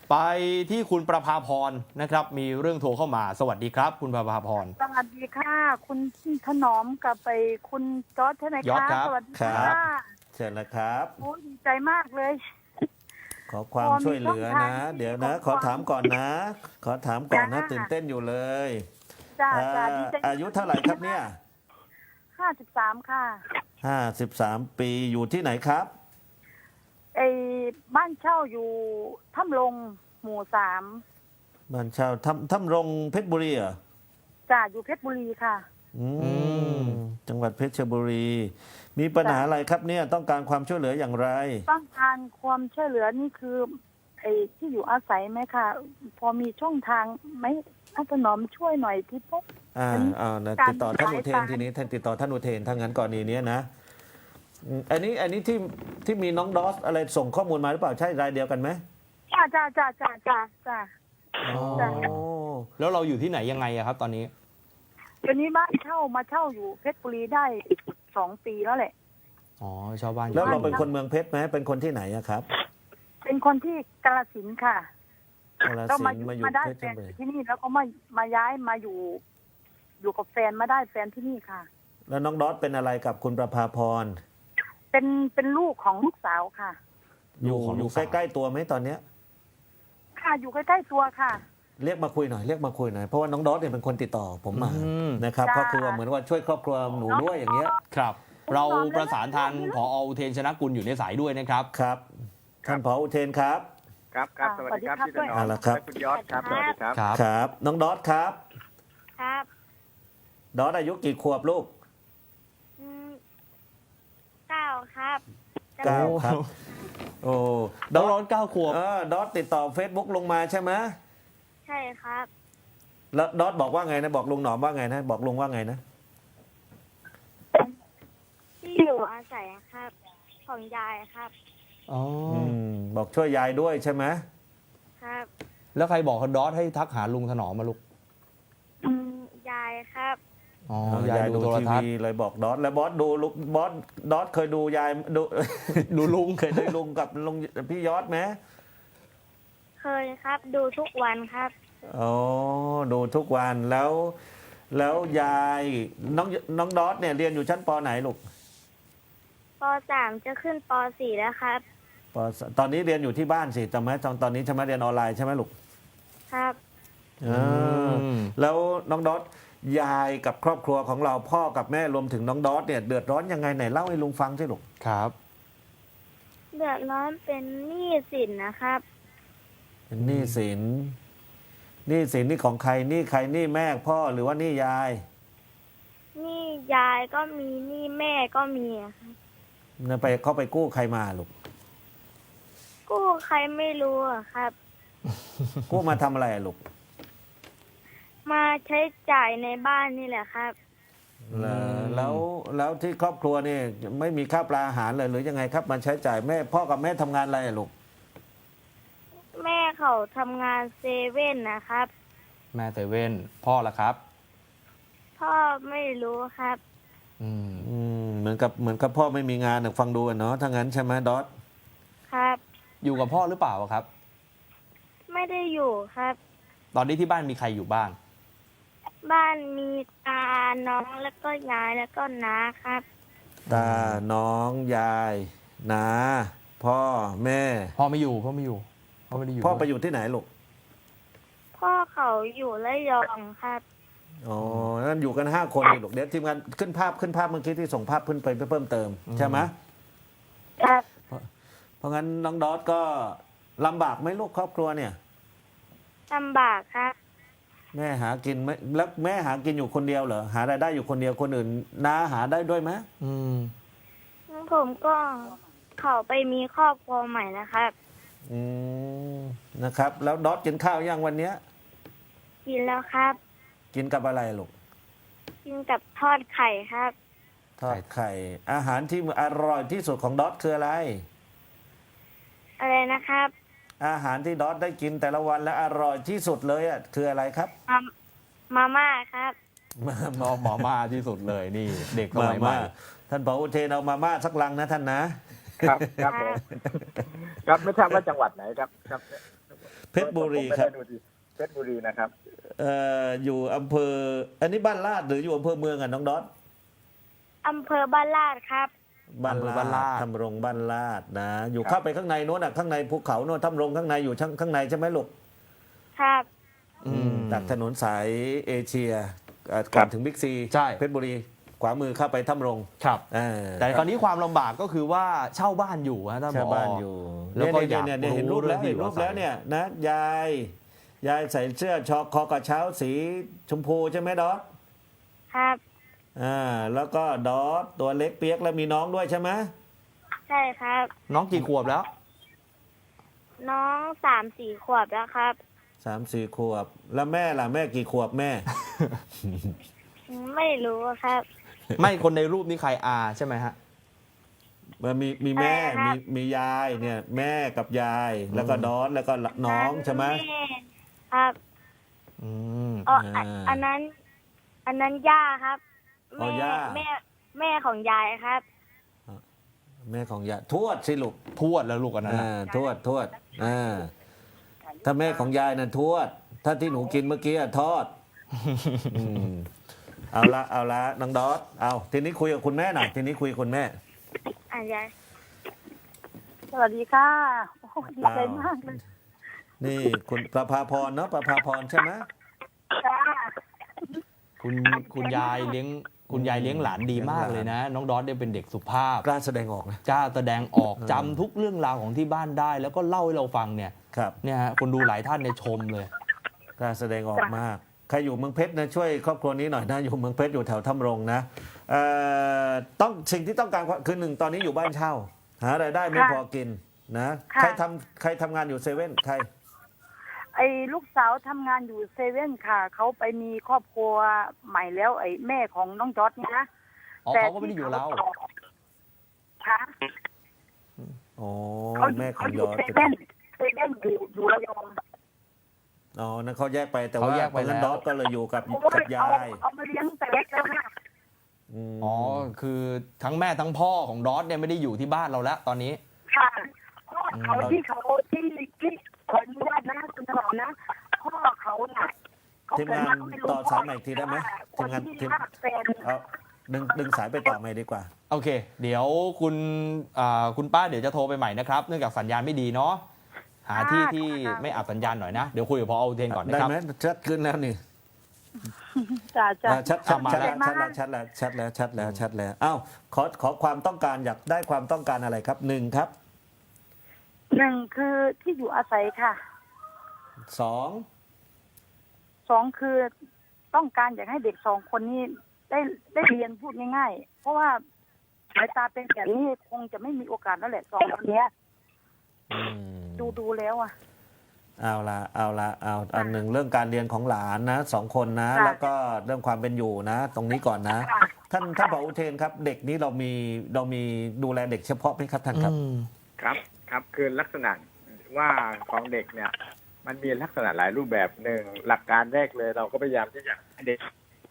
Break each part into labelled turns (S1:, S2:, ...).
S1: ไปที่คุณประภาพรนะครับ มีเรื่องโทรเข้ามา สวัสดีครับ คุณประภาพร
S2: สวัสดีค่ะ คุณถนอมกับไปคุณจอร์จใช่ไหม
S1: ยอด
S2: คะ
S1: ครับ
S2: สวัสดี
S3: ครั
S2: ค่ะ
S3: บ เชิญนะครับ
S2: โอ้ดีใจมากเลย
S3: ขอความช่วยเหลือนะ เดี๋ยวนะ ขอถามก่อนนะ ขอถามก่อนนะ
S2: จ้า
S3: ตื่นเต้นอยู่เลย
S2: จ้า
S3: เอ่
S2: จ้า
S3: อ
S2: ดีใจ
S3: อายุเท่าไหร่ครับเนี่ย
S2: 53 ค่ะ
S3: 53 ปีอยู่ที่ไหนครับ
S2: ไอ้บ้านเช่าอยู่ถ้ำลงหมู่
S3: บ้านเช่าถ้ำรงเพชรบุรีเหรอ
S2: 3จ้าอยู่เพชรบุรีค่ะ
S3: อืม
S1: อืม
S3: จังหวัดเพชรบุรี มีปัญหาอะไรครับเนี่ย ต้องการความช่วยเหลืออย่างไร
S2: ต้องการความช่วยเหลือนี่คือไอ้ที่อยู่อาศัยไหมคะพอมีช่องทางไหมถนอมช่วยหน่อยที่พบ
S3: นะติดต่อท่านอุเทนทีนี้ท่านติดต่อท่านอุเทนถ้างั้นกรณีนี้นะอันนี้ที่มีน้องดอสอะไรส่งข้อมูลมาหรือเปล่าใช่รายเดียวกันไหม
S2: จ้าจ้าจ้าจ้าจ้าจ้า
S3: อ๋อ
S2: จ้ะ
S1: แล้วเราอยู่ที่ไหนยังไงอะครับ ตอนนี้
S2: เดี๋ยวนี้บ้านเช่ามาเช่าอยู่เพชรบุรีได้2 ปีแล้วแหละ
S1: อ๋อชาวบ้านอยู่
S3: แล้วเราเป็นคนเมืองเพชรไหมเป็นคนที่ไหนอะครับ
S2: เป็นคนที่กาฬสินธุ์ค่ะ
S3: กาฬ
S2: ก็
S3: สิ
S2: มาน
S3: ธุ์มาอยู่
S2: มาได้
S3: เพช
S2: แฟ
S3: ร
S2: น
S3: บุ
S2: อ
S3: รี
S2: ยู่ที่นี่แล้วก็มาย้ายมาอยู่กับแฟนมาได้แฟนที่นี่ค่ะ
S3: แล้วน้องดอสเป็นอะไรกับคุณประภาพร
S2: เป็นลูกของลูกสาวค่ะ
S3: อยู่ใกล้ๆตัวไหมตอนเนี้ย
S2: ค่ะอยู่ใกล้ๆตัวค่ะ
S3: เรียกมาคุยหน่อยเพราะว่าน้องดอสเนี่ยเป็นคนติดต่อผมมา
S1: อืม
S3: นะครับ
S2: จ้า
S3: ก็คือว่าเหมือนว่าช่วยครอบครัวหนูด้วยอย่างเงี้ย
S1: ครับ เราประสานทางผออุเทนชนะกุลอยู่ในสายด้วยนะครับ
S3: ครับ ท่านผออุเทนครับ
S4: ครับครับสวัสดีครับ
S2: สวัสดีครับ
S4: พี่ถนอ
S3: เอา
S4: ม
S3: ละครับ
S4: และคุณยอดครับสวัสดีครับ
S1: ครับ
S3: ครับ น้องดอสครับ
S5: ครับ
S3: ดอสอายุกี่ขวบลูก
S5: 9 ครับ
S3: เก้าครับ โอ้
S1: ดอส9 ขวบ
S3: ดอสติดต่อ Facebook ลงมาใช่ไหม
S5: ใช่ครับ
S3: แล้วดอสบอกว่าไงนะบอกลุงหนอมว่าไงนะบอกลุงว่าไงนะ
S5: ที่อยู่อาศัยครับ ของยายครับ
S1: อ๋อ
S3: บอกช่วยยายด้วยใช่ไหม
S5: ครับ
S1: แล้วใครบอกดอสให้ทักหาลุงถนอมมาลูก
S5: ยายครับ
S1: อ๋อยายดูโทร
S3: ที
S1: ทัศ
S3: วี
S1: น์
S3: เลยบอกดอสแล้วบอสดูลุงบอสดอสเคยดูยายดู
S1: ดูลุง
S3: เคยได้ลุงกับลุงพี่ยอดไหม
S5: เคยครับ ดูทุกวันครับ
S3: อ๋อดูทุกวันแล้วยายน้องดอสเนี่ยเรียนอยู่ชั้นปไหนลูก
S5: ป .3 จะขึ้นป .4 แล้วครับ
S3: ปตอนนี้เรียนอยู่ที่บ้านสิจำไหมตอนนี้ใช่ไหมเรียนออนไลน์ใช่ไหมลูก
S5: ครับ
S3: อ่าแล้วน้องดอสยายกับครอบครัวของเราพ่อกับแม่รวมถึงน้องดอสเนี่ยเดือดร้อนยังไงไหนเล่าให้ลุงฟังสิลูก
S1: ครับ
S5: เดือดร้อนเป็นหนี้สินนะครับ
S3: เป็นหนี้สินนี่ของใครหนี้ใครหนี้แม่พ่อหรือว่าหนี้ยาย
S5: หนี้ยายก็มีหนี้แม่ก็มีอะครับ
S3: นะไปเขาไปกู้ใครมาลูก
S5: กู้ใครไม่รู้อะครับ
S3: กู้มาทำอะไรอะลูก
S5: มาใช้จ่ายในบ้านนี่แหละครับ
S3: แล้วที่ครอบครัวนี่ไม่มีข้าวปลาอาหารเลยหรือยังไงครับมาใช้จ่ายแม่พ่อกับแม่ทำงานอะไรอะลูก
S5: แม่เขาทำงานเซเว่นนะครับ
S1: แม่เซเว่นพ่อละครับ
S5: พ่อไม่รู้ครับ
S1: อืม
S3: เหมือนกับพ่อไม่มีงานฟังดูอะเนาะถ้างั้นใช่ไหมดอส
S5: ครับ
S1: อยู่กับพ่อหรือเปล่าครับ
S5: ไม่ได้อยู่ครับ
S1: ตอนนี้ที่บ้านมีใครอยู่บ้าง
S5: บ้านมีตาน้องแล้วก็ยายแล้วก็น้าครับ
S3: ตาน้องยายนาพ่อแม่
S1: พ่อไม่อยู่พ่อไม่ได้อยู่
S3: พ่อไป
S1: ด้วย
S3: อยู่ที่ไหนลูก
S5: พ่อเขาอยู่ระยองครับ
S3: อ๋อนั่นอยู่กัน5 คนนี่ลูกเดี๋ยวทีมงานขึ้นภาพเมื่อกี้ที่ส่งภาพขึ้นไปเพิ่มเติมใช่ไหม
S5: ครับ
S3: เพราะงั้นน้องดอสก็ลำบากไหมลูกครอบครัวเนี่ย
S5: ลำบากครับ
S3: แม่หากินไหมแล้วแม่หากินอยู่คนเดียวเหรอหารายได้อยู่คนเดียวคนอื่นน้าหาได้ด้วยไหม
S1: อืม
S5: ผมก็เขาไปมีครอบครัวใหม่นะครับ
S3: อืมนะครับ แล้วดอสกินข้าวยังวันเนี้ย
S5: กินแล้วครับ
S3: กินกับอะไรลูก
S5: กินกับทอดไข่ครับ
S3: ทอดไข่ อาหารที่อร่อยที่สุดของดอสคืออะไร
S5: อะไรนะครับ
S3: อาหารที่ดอสได้กินแต่ละวันและอร่อยที่สุดเลยอ่ะคืออะไรครับ
S5: มาม่าครับ
S1: หมอมาที่สุดเลยนี่ เด็กสมัยใหม่
S3: ท่านผออุเทนเอามาม่าสักลังนะท่านนะ
S4: ครับครับผมครับไม่ทราบว่าจังหวัดไหนครับครับ
S3: เพชรบุรีครับ
S4: ผมไม่ได้ดูที่เพชรบุรีนะครับ
S3: อยู่อำเภอ อันนี้บ้านลาดหรืออยู่อำเภอเมืองอ่ะน้องดอส
S5: อำเภอบ้านลาดครับ
S3: บ้าน
S1: อำเภอบ้านลาด
S3: ทำรงบ้านลาดนะ อยู่
S4: ครับ
S3: เข้าไปข้างในโน้นอ่ะข้างในภูเขาโน้นทำรงข้างในอยู่ข้างในใช่ไหมลูก
S5: ครับ
S3: จากถนนสายเอเชียก่อนถึงบิ๊กซี
S1: ใช่
S3: เพชรบุรีขวามือเข้าไปทำรง
S1: ครับ
S3: เออ
S1: แต่คราวนี้ความลำบากก็คือว่าเช่าบ้านอยู่ฮะท่านผ
S3: ชาว
S1: อ
S3: บ้านอยู่
S1: แล้วก็อยาก
S3: เนี่ยเห็นรูปแล้ว
S1: รู้
S3: เห็นรูปแล้ว
S1: เรื่องที่อยู่อาศัย
S3: เนี่ยนะยายใส่เสื้อชอคอกระเช้าสีชมพูใช่ไหมดอส
S5: ครับ
S3: แล้วก็ดอสตัวเล็กเปียกแล้วมีน้องด้วยใช่ไหม
S5: ใช่ครับ
S1: น้องกี่ขวบแล้ว
S5: น้อง3-4 ขวบแล้วครับ
S3: 3-4 ขวบ แล้วแม่ล่ะแม่กี่ขวบแม่
S5: ไม่รู้ครับ
S1: ไม่คนในรูปนี้ใครอาใช่ไหมฮะ
S3: มีแม่
S5: ใช่ครับ
S3: มียายเนี่ยแม่กับยาย แล้วก็ดอสแล้วก็น้องใช่ไหม
S5: แครับ
S1: อืม
S5: อ๋อ
S3: อ่า
S5: อันนั้นย่าครับ
S3: อ๋อย่า
S5: แม่ของยายครับ
S3: แม่ของยายทวดสิลูก
S1: ทวดแล้วลูกอันนั้นน่ะ
S3: ทวดถ้าแม่ของยายน่ะทวด ถ้าที่หนูกินเมื่อกี้อะทอดเอาละน้องดอสเอาทีนี้คุยกับคุณแม่หน่อยทีนี้คุยกับคุณแม่
S5: ยาย
S2: สวัสดีค่ะโอ้ดีใจมากเลย
S3: นี่คุณประภาพรเนาะประภาพรใช่ไหม
S2: จ้า
S1: คุณยายเลี้ยงคุณยายเลี้ยงหลานดีมากเลยนะ น้องดอสเนี่ยเป็นเด็กสุภาพ
S3: กล้าแสดงออกนะ
S1: กล้าแสดงออกจำทุกเรื่องราวของที่บ้านได้ แล้วก็เล่าให้เราฟังเนี่ย
S3: ครับ
S1: เนี่ยฮะคนดูหลายท่านเนี่ยชมเลย
S3: กล้าแสดงออกมากใครอยู่เมืองเพชรนะช่วยครอบครัวนี้หน่อยนะอยู่เมืองเพชรอยู่แถวถ้ำรงนะต้องสิ่งที่ต้องการคือหนึ่งตอนนี้อยู่บ้านเช่า หารายได้ไม่พอกินนะใครทำงานอยู่เซเว่นใคร
S2: ไอ้ลูกสาวทำงานอยู่เซเว่นค่ะเขาไปมีครอบครัวใหม่แล้วไอ้แม่ของน้องจอร์ดเนี่ยนะ
S1: อ๋อเขาก็ไม่ได้อยู่เรา
S2: ค่ะ
S3: อ๋อ
S2: เขา
S3: แม่ข
S2: เขา
S3: อง
S2: อย ยู่
S3: อด
S2: เซเว่นอยู่ระยอง
S3: อ๋อนั่นเขาแยกไปแต่
S1: เขา
S3: ว่า
S1: แยกไป
S3: ตอนนั้น
S1: แล้ว
S3: ดอสก็เลยอยู่กับ
S2: โอ้ย
S3: ยาย
S2: เอามาเลี้ยงแต่เล็กแล้วค่ะ
S3: ม
S1: อ๋อคือทั้งแม่ทั้งพ่อของดอสเนี่ยไม่ได้อยู่ที่บ้านเราแล้วตอนนี้
S2: ค่ะพ่อเขาที่ขออนุญาตนะคุณถนอมนะพ่อเขาน่ะเข
S3: ทีมงาน
S2: เกิด
S3: ต่อสายใหม่อีกทีได้ไหม
S2: ค
S3: ทีม
S2: น
S3: งาน
S2: ที่
S3: ทีม
S2: รักแฟน
S3: เอาดึงสายไปต่อใหม่ดีกว่า
S1: โอเค เดี๋ยวคุณป้าเดี๋ยวจะโทรไปใหม่นะครับ เนื่องจากสัญญาณไม่ดีเนาะหาที่ที่ไม่อับสัญญาณหน่อยนะ เดี๋ยวคุยกับพออุเทนก่อนนะ
S3: ได้
S1: ครับ
S3: ไหมชัดขึ้นแล้วนี่
S2: จ้า
S3: ชัด
S1: มา
S3: ชัด
S1: แล้ว
S3: แล้วอ้าวขอความต้องการอยากได้ความต้องการอะไรครับหนึ่งครับ
S2: หนึ่งคือที่อยู่อาศัยค่ะ
S3: สอง
S2: สองคือต้องการอยากให้เด็กสองคนนี้ได้เรียนพูดง่ายๆ เพราะว่าสายตาเป็นแบบนี้คงจะไม่มีโอกาสแล้วแหละสองคนเนี้ย ดูแล้วอ่ะ
S3: เอาอันหนึ่งเรื่องการเรียนของหลานนะสองคนนะ
S2: ค่ะ
S3: แล้วก็เรื่องความเป็นอยู่นะ ตรงนี้ก่อนนะ
S2: ค่ะ
S3: ท่านผออุเทนครับ เด็กนี้เรามีดูแลเด็กเฉพาะไหมครับท่านครับ
S4: ครับคือลักษณะว่าของเด็กเนี่ย มันมีลักษณะหลายรูปแบบหนึ่งหลักการแรกเลย เราก็พยายามที่จะให้เด็ก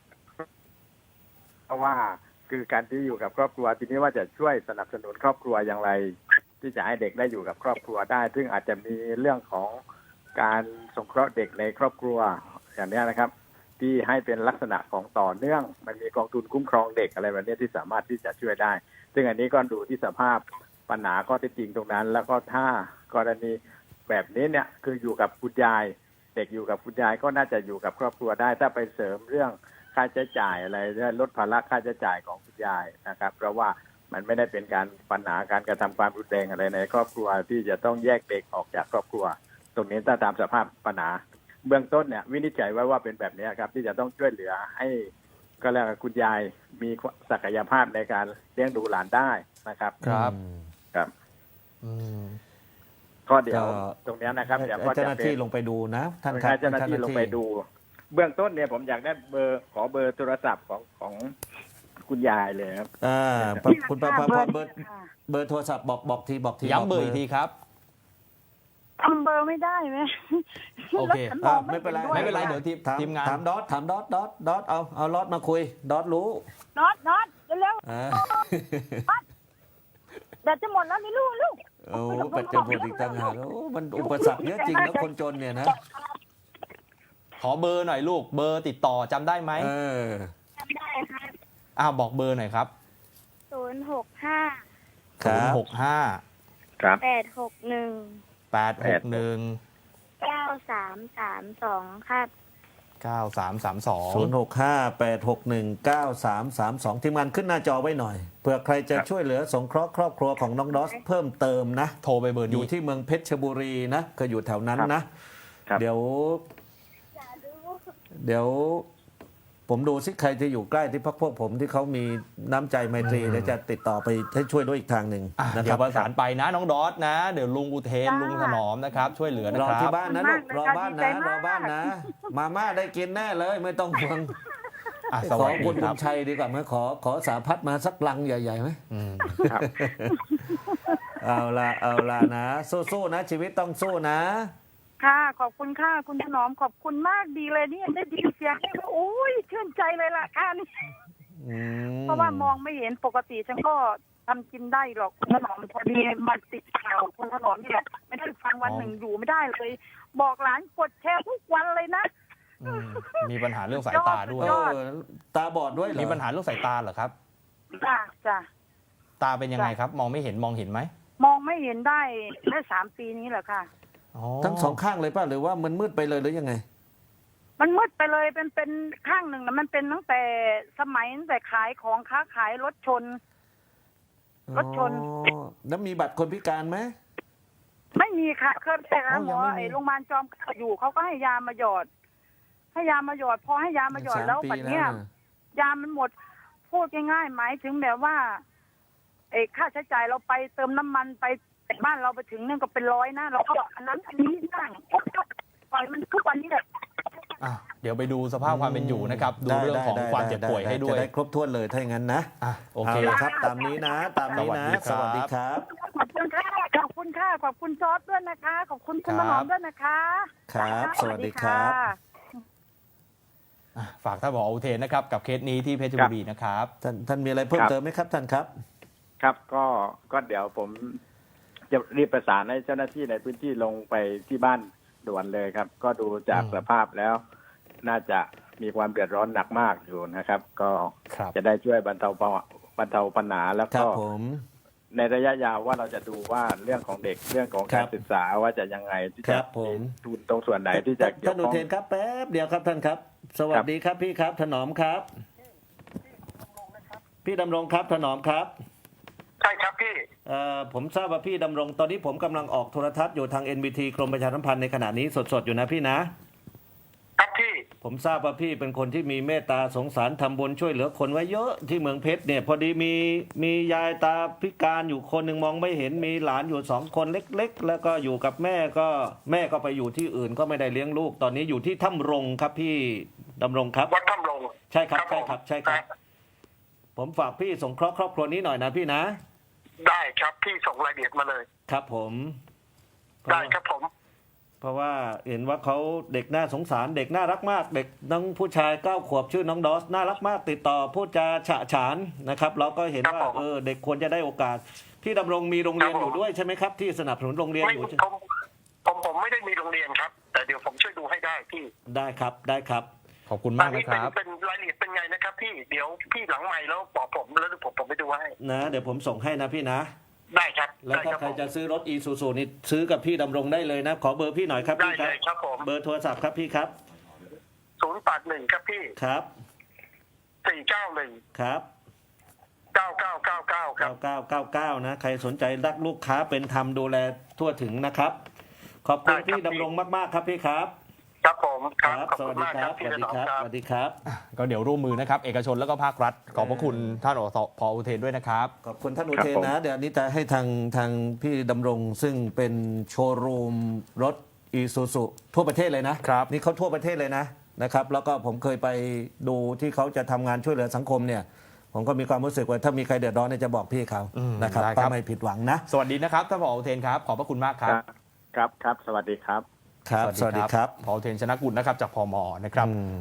S4: เพราะว่าคือการที่อยู่กับครอบครัวทีนี้ว่าจะช่วยสนับสนุนครอบครัวอย่างไร ที่จะให้เด็กได้อยู่กับครอบครัวได้ ซึ่งอาจจะมีเรื่องของการสงเคราะห์เด็กในครอบครัวอย่างนี้นะครับ ที่ให้เป็นลักษณะของต่อเนื่อง มันมีกองทุนคุ้มครองเด็กอะไรแบบนี้ที่สามารถที่จะช่วยได้ ซึ่งอันนี้ก็ดูที่สภาพปัญหาข้อเท็จจริงตรงนั้น แล้วก็ถ้ากรณีแบบนี้เนี่ยคืออยู่กับคุณยาย เด็กอยู่กับคุณยายก็น่าจะอยู่กับครอบครัวได้ ถ้าไปเสริมเรื่องค่าใช้จ่ายอะไรลดภาระค่าใช้จ่ายของคุณยายนะครับ เพราะว่ามันไม่ได้เป็นการปัญหาการกระทำความรุนแรงอะไรในครอบครัวที่จะต้องแยกเด็กออกจากครอบครัว ตรงนี้ถ้าตามสภาพปัญหาเบื้องต้นเนี่ยวินิจฉัยไว้ว่าเป็นแบบนี้ครับที่จะต้องช่วยเหลือให้ก็แล้วาคุณยายมีศักยภาพในการเลี้ยงดูหลานได้นะครับ
S1: ครับ
S4: ครับ
S1: อืม
S4: ข้อเดียว
S3: ก็
S4: ตรงนี้นะครับเดี๋ยวก็
S3: เจ้าห
S4: จะ
S3: น้า
S4: เป็
S3: ที่
S4: น
S3: ลงไปดูนะท่าน
S4: ให้
S3: ครับ
S4: เจ้าหน้าที่ลงไปดู เบื้องต้นเนี่ยผมอยากได้ขอเบอร์โทรศัพท์ของคุณยายเลยครับ
S3: คุณประภาพรเบอร์
S2: ค่ะ
S3: เบอร์โทรศัพท์บอกที
S1: ย้ำเบอร์อีกทีครับ
S2: ทำเบอร์ไม่ได้ไหม
S1: โอเค
S2: แล้วฉันมอง
S3: ไม่เป็นไร
S2: ห็ด้วย
S1: ไม่เป็นไรเดี๋ยวทีมงาน
S3: ถามดอทเอาดอทมาคุยดอทรู้
S2: น็อตเร็ว
S3: อ่า
S2: ๆแบตจะหมดแล้วนี่ลูก
S3: โอ้ปัจจุบันอีกต่างหากโอ้มันอุปสรรคเยอะจริงนะคนจนเนี่ยนะ
S1: ขอเบอร์หน่อยลูกเบอร์ติดต่อจำได้ไหม
S3: เออ
S5: จำได้ครับ
S1: บอกเบอร์หน่อยครับ
S5: 065
S3: ครับ
S1: 065
S4: ครับ
S5: 861
S1: 861
S5: 9332ครับ
S1: 9332
S3: 0658619332ทีมงานขึ้นหน้าจอไว้หน่อยเผื่อใครจะช่วยเหลือสงเคราะห์ครอบครัวของน้องดอสเพิ่มเติมนะ
S1: โทรไปเบอร์
S3: อ
S1: นี้
S3: ยู่ที่เมืองเพชรบุรีนะก็อยู่แถวนั้นนะ
S4: ครับ
S3: เดี๋ยวผมดูซิใครจะอยู่ใกล้ที่พวกผมที่เขามีน้ำใจไมตรีเดี๋ยวจะติดต่อไปให้ช่วยด้วยอีกทางหนึ่งนะค
S1: เดี๋
S3: รั
S1: ยวประสานไปนะน้องดอสนะ เดี๋ยวลุงอุเทนลุงถนอมนะครับ ช่วยเหลือนะ
S3: รอ
S1: ครั
S3: ที่
S1: บ
S3: บ้านนะลูกรอบ้านนะรอบ้านนะ มาม่าได้กินแน่เลยไม่ต้องห่วง
S1: ส
S3: ขอ
S1: วัสดี
S3: คุณ
S1: ค
S3: บุ
S1: รับ
S3: ญชัยดีกว่าไหมขอสาพัดมาสักลังใหญ่ๆไหม
S1: อืม
S4: ครับ
S3: เอาละนะสู้ๆนะชีวิตต้องสู้นะ
S2: ค่ะขอบคุณค่ะคุณถนอมขอบคุณมากดีเลยเนี่ยได้ยินเสียงนี่ก็โอ้ยชื่นใจเลยล่ะค่ะนี่
S3: อืม
S2: เพราะว่ามองไม่เห็นปกติฉันก็ทำกินได้หรอกคุณถนอมพอดีมาติดข่าวคุณถนอมเนี่ยไม่ได้ฟังวันหนึ่งอยู่ไม่ได้เลย บอกหลานกดแชร์ทุกวันเลยนะ
S1: มีปัญหาเรื่องสายตาด้วย
S3: เออตาบอดด้วยเหรอ
S1: มีปัญหาเรื่องสายตาเหรอครับ
S2: จ้ะ
S1: ตาเป็นยังไงครับ มองไม่เห็นมองเห็นไหม
S2: มองไม่เห็นได้3 ปีนี้แหละค่ะ
S3: ทั้งสองข้างเลยป่ะหรือว่ามันมืดไปเลยหรือยังไง
S2: มันมืดไปเลยเป็นข้างหนึ่งนะมันเป็นตั้งแต่สมัยตั้งแต่ขายของค้าขายรถชน รถชน
S3: อ๋อแล้วมีบัตรคนพิการไหม
S2: ไม่มีค่ะเคยไปหาหม
S3: ยั
S2: อง
S3: ไม่มี
S2: ไอ้โรงพยาบาลจอมเกล้าอยู่เขาก็ให้ยามาหยอด ให้ยามาหยอดพอให้ยามาหยอดแล้ว
S3: 3 ปี
S2: ปัจเนี้ย
S3: แล้วนะ
S2: ยามันหมดพูดง่ายๆหมายถึงแบบว่าค่าใช้จ่ายเราไปเติมน้ำมันไปแต่บ้านเราไปถึงนั่นก็เป็น100นะเราก็อันนั้นอันนี้นั่งปล่อยมันทุกวันนี้แหละ
S1: เดี๋ยวไปดูสภาพความเป็นอยู่นะครับ ดูเรื่องของความเจ็บป่วยให้ด้วย
S3: จะได้ครบถ้วนเลยถ้าอย่างนั้นนะ
S1: โอเค
S3: าละครับ ตามนี้นะ ตามนี้นะ
S1: ส
S3: ส
S1: วั
S3: วั
S1: ส
S3: ส
S1: ดี
S3: ดี
S1: ค
S3: ค
S1: รั
S3: รับ
S2: ขอบคุณค่ะขอบคุณค่ะขอบคุณซอสด้วยนะคะ ขอบคุณคุณถนอมด้วยนะคะ
S3: ครับ สวัสดีครับ
S1: ฝากท่านผออุเทนนะครับ กับเคสนี้ที่เพชรบุรีนะครับ
S3: ท่านมีอะไรเพิ่มเติมไหมครับท่านครับ
S4: ครับก็เดี๋ยวผมจะรีบประสานให้เจ้าหน้าที่ในพื้นที่ลงไปที่บ้านด่วนเลยครับ ก็ดูจากสภาพแล้ว น่าจะมีความเดือดร้อนหนักมากอยู่นะครับ ก็
S1: ครับ
S4: จะได้ช่วยบรรเทาปัญหาแล้ว
S3: ครั
S4: ก็
S3: บผม
S4: ในระยะยาวว่าเราจะดูว่าเรื่องของเด็กเรื่องของการ
S3: ครับ
S4: ศึกษาว่าจะยังไงที่
S3: ค
S4: จะ
S3: รับผม
S4: ทุนตรงส่วนไหนที่จะเกี่ย
S3: ท่า
S4: วน
S3: อุ
S4: ข้อง
S3: เทนครับแป๊บเดียวครับท่านครับ สวัสดีครับพี่ครับ ถนอมครับ พี่ดำรงครับถนอมครับ
S6: ใช่ครับพี่
S3: ผมทราบว่าพี่ดำรงตอนนี้ผมกำลังออกโทรทัศน์อยู่ทาง NBT กรมประชาสัมพันธ์ในขณะนี้สดๆอยู่นะพี่นะ
S6: ครับพี่
S3: ผมทราบว่าพี่เป็นคนที่มีเมตตาสงสารทำบุญช่วยเหลือคนไว้เยอะที่เมืองเพชรเนี่ยพอดีมียายตาพิการอยู่คนหนึ่งมองไม่เห็นมีหลานอยู่2 คนเล็กๆ แล้วก็อยู่กับแม่ก็ไปอยู่ที่อื่นก็ไม่ได้เลี้ยงลูกตอนนี้อยู่ที่ถ้ำรงครับพี่ดำรงครับ
S6: วัดถ้ำลง
S3: ใช่ครับ
S6: ผม
S3: ใช่ครับ ผมฝากพี่สงเคราะห์ครอบครัวนี้หน่อยนะพี่นะ
S6: ได้ครับพี่ส่งรายละเอียดมาเลย
S3: ครับผม
S6: ได้ครับผม
S3: เพราะว่าเห็นว่าเขาเด็กน่าสงสารเด็กน่ารักมาก เด็กน้องผู้ชาย9 ขวบชื่อน้องดอสน่ารักมากติดต่อพูดจาฉะฉานนะครับเราก็เห็นว่าเด็กควรจะได้โอกาสพี่ดำรงมีโรงเรียนอยู่ด้วยใช่ไหมครับที่สนับสนุนโรงเรียน
S6: ไม่
S3: อยู่
S6: ผมไม่ได้มีโรงเรียนครับ แต่เดี๋ยวผมช่วยดูให้ได้พี่
S3: ได้ครับ
S1: ขอบคุณมากนะครับ
S6: เป็นรายละเอียดเป็นไงนะครับพี่เดี๋ยวพี่หลังใหม่แล้วบอกผมแล้วผมไปดูให้
S3: นะเดี๋ยวผมส่งให้นะพี่นะ
S6: ได้ครับ
S3: แล้ว
S6: ได้
S3: ถ้า
S6: ครับ
S3: ใคร
S6: ผม
S3: จะซื้อรถอีซูซูนี่ซื้อกับพี่ดำรงได้เลยนะ ขอเบอร์พี่หน่อยครับ
S6: ได้
S3: พี่ค
S6: เล
S3: รับ
S6: ยครับผม
S3: เบอร์โทรศัพท์ครับพี่ครับ
S6: 081ครับพี่
S3: ครับ
S6: 491
S3: ครับ
S6: 9999ครับ
S3: 9999นะใครสนใจรักลูกค้าเป็นธรรมดูแลทั่วถึงนะครับ ขอบคุณ
S6: ได้ครับ
S3: พี่ดำรงมากๆครับพี่ครับ
S6: ครับผมครับขอบ
S3: ส
S6: คุ
S3: วัส
S6: ณ
S3: ดี
S6: มาก
S3: ค
S6: ค
S3: รั
S6: รั
S3: บบ ส
S6: พี่
S3: วัส
S6: ถ
S3: ดี
S6: นอม
S3: ครับ
S6: ครับ
S3: สวัสดีครับ
S1: ก็เดี๋ยวร่วมมือนะครับ เอกชนแล้วก็ภาครัฐ ขอบพระคุณท่านผออุเทนด้วยนะครับ
S3: ขอบคุณท่านอุ
S4: ครับ
S3: เทน
S4: ผม
S3: นะเดี๋ยวอันนี้จะให้ทางพี่ดำรงซึ่งเป็นโชว์รูมรถอีซูซูทั่วประเทศเลยนะครับ นี่เขาทั่วประเทศเลยนะครับแล้วก็ผมเคยไปดูที่เขาจะทำงานช่วยเหลือสังคมเนี่ยผมก็มีความรู้สึกว่าถ้ามีใครเดือดร้อนเนี่ยจะบอกพี่เขานะครับ
S1: ได้ครับ
S3: ก็ไม่ผิดหวังนะ
S1: สวัสดีนะครับท่านผออุเทนครับ ขอบพระคุณมากครับ
S4: ครับ สวัสดีครับ
S3: ครับ สวัสดีครับ
S1: ผออุเทนชนะกุลนะครับจากพมนะครับ